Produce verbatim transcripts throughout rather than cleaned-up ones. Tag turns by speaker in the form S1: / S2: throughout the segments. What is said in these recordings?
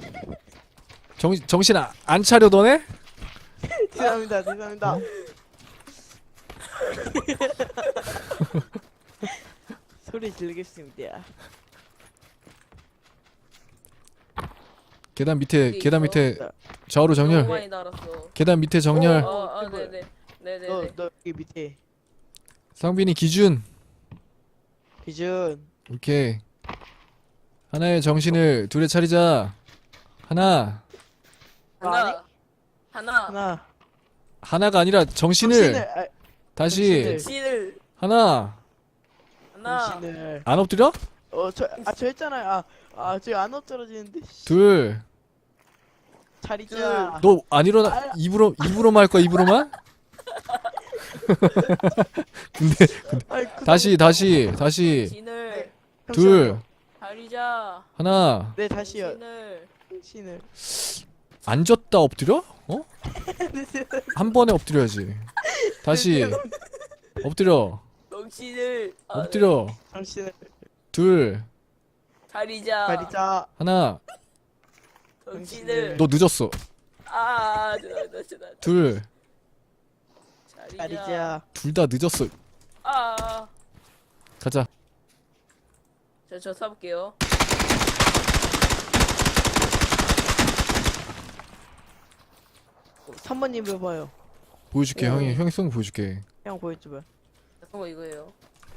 S1: 정 정신 아, 안 차려 너네?
S2: 죄송합니다 죄송합니다. 소리 지르겠습니다.
S1: 계단 밑에
S3: 여기
S1: 계단
S3: 있어.
S1: 밑에 좌우로
S3: 너무
S1: 정렬.
S3: 많이 달았어.
S1: 계단 밑에 정렬.
S3: 어, 아,
S2: 이거.
S3: 네네. 네네네.
S2: 너 너 여기 밑에
S1: 상빈이 기준.
S2: 기준.
S1: 오케이. 하나의 정신을 둘에 차리자. 하나.
S3: 하나. 하나.
S2: 하나.
S1: 하나가 아니라 정신을,
S2: 아,
S1: 다시
S2: 정신을.
S3: 정신을.
S1: 하나.
S3: 하나.
S2: 정신을.
S1: 안 엎드려?
S2: 어저아저 했잖아요. 아아저 안 엎드러지는데. 씨.
S1: 둘.
S2: 차리자.
S1: 너 안 일어나. 입으로 입으로만 할 거야, 입으로만? 근데
S2: 아이, 그
S1: 다시 다시 다시
S3: 정신을.
S1: 둘.
S3: 가리자.
S1: 하나.
S2: 네 다시요.
S3: 정신을.
S2: 정신을.
S1: 앉았다 엎드려? 어? 한 번에 엎드려야지. 다시 엎드려.
S3: 정신을. 아,
S1: 엎드려.
S2: 정신을.
S1: 둘.
S3: 가리자.
S2: 차리자.
S1: 하나.
S3: 정신을.
S1: 너 늦었어.
S3: 아, 죄송합니다. 죄송합니다.
S1: 둘.
S3: 자리자.
S2: 차리자.
S1: 둘 다 늦었어.
S3: 아.
S1: 가자.
S3: 저, 저 사볼게요.
S2: 삼 번님 해봐요.
S1: 보여줄게.
S2: 오.
S1: 형이 형이 쏜 거 보여줄게.
S2: 형 보여줘봐.
S3: 어, 이거예요.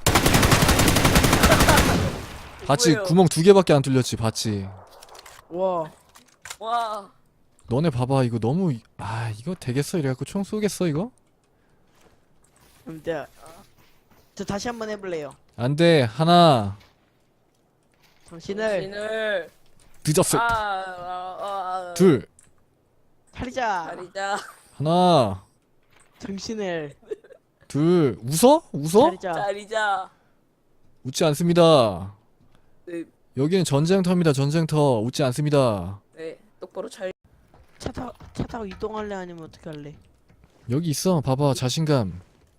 S1: 봤지?
S3: 뭐예요?
S1: 구멍 두 개밖에 안 뚫렸지. 봤지?
S2: 와.
S3: 와.
S1: 너네 봐봐. 이거 너무 이- 아 이거 되겠어? 이래갖고 총 쏘겠어 이거?
S2: 그럼 내가 저 다시 한번 해볼래요.
S1: 안돼. 하나.
S2: 정신을
S3: 정신을.
S1: 늦었어.
S3: 아, 아, 아, 아.
S1: 둘.
S2: 차리자.
S3: 가리자.
S1: 하나.
S2: 정신을
S1: 둘. 웃어? 웃어?
S2: 차리자.
S3: 가리자.
S1: 웃지 않습니다.
S3: 네,
S1: 여기는 전쟁터입니다. 전쟁터. 웃지 않습니다.
S3: 네. 똑바로 잘.
S2: 차 타, 차 타고 이동할래 아니면 어떻게 할래?
S1: 여기 있어. 봐봐. 자신감.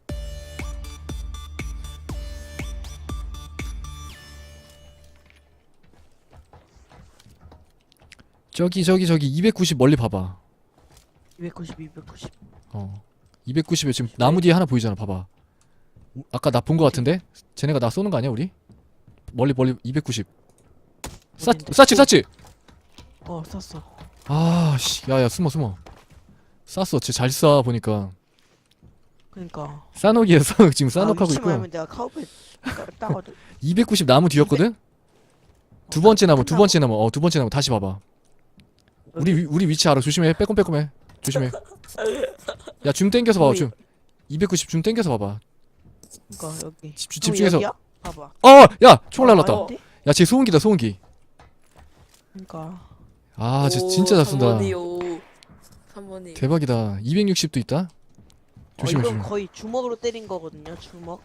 S1: 저기 저기 저기 이백구십 멀리 봐봐.
S2: 이백구십, 이백구십.
S1: 어. 이백구십에 지금 나무 뒤에 하나 보이잖아. 봐봐. 우- 아까 나 본 거 같은데? 쟤네가 나 쏘는 거 아니야, 우리? 멀리 멀리 이백구십. 쌌
S2: 어딘데?
S1: 쌌지 쌌지.
S2: 어, 쐈어.
S1: 아, 씨. 야야, 숨어 숨어. 쌌어. 쟤 잘 쏴 보니까.
S2: 그니까.
S1: 싸놓기에 싸놓 지금 싸놓고 하고
S2: 위치
S1: 있고요.
S2: 말면 내가 카우페 따거든.
S1: 이백구십 나무 뒤였거든? 두 번째 나무, 두 번째 나무. 어, 두 번째 나무. 다시 봐봐. 우리 위- 우리 위치 알아. 조심해. 빼꼼빼꼼해. 조심해. 야, 줌 땡겨서 봐봐. 줌. 이백구십 줌 땡겨서 봐봐.
S2: 그니까 여기.
S1: 집, 집,
S2: 형,
S1: 집중해서.
S2: 여기야? 봐봐.
S1: 어, 야, 총알 날랐다.
S3: 어.
S1: 야, 쟤 소음기다, 소음기.
S2: 그니까.
S1: 아, 쟤 진짜 잘 쏜다.
S3: 삼 번이요. 삼 번이.
S1: 대박이다. 이백육십도 있다. 조심해,
S2: 어, 이건
S1: 조심해.
S2: 거의 주먹으로 때린 거거든요. 주먹.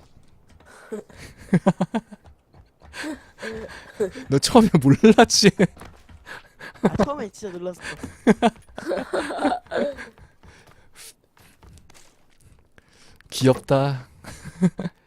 S1: 너 처음에 몰랐지?
S2: 아, 처음에 진짜 놀랐어.
S1: 귀엽다.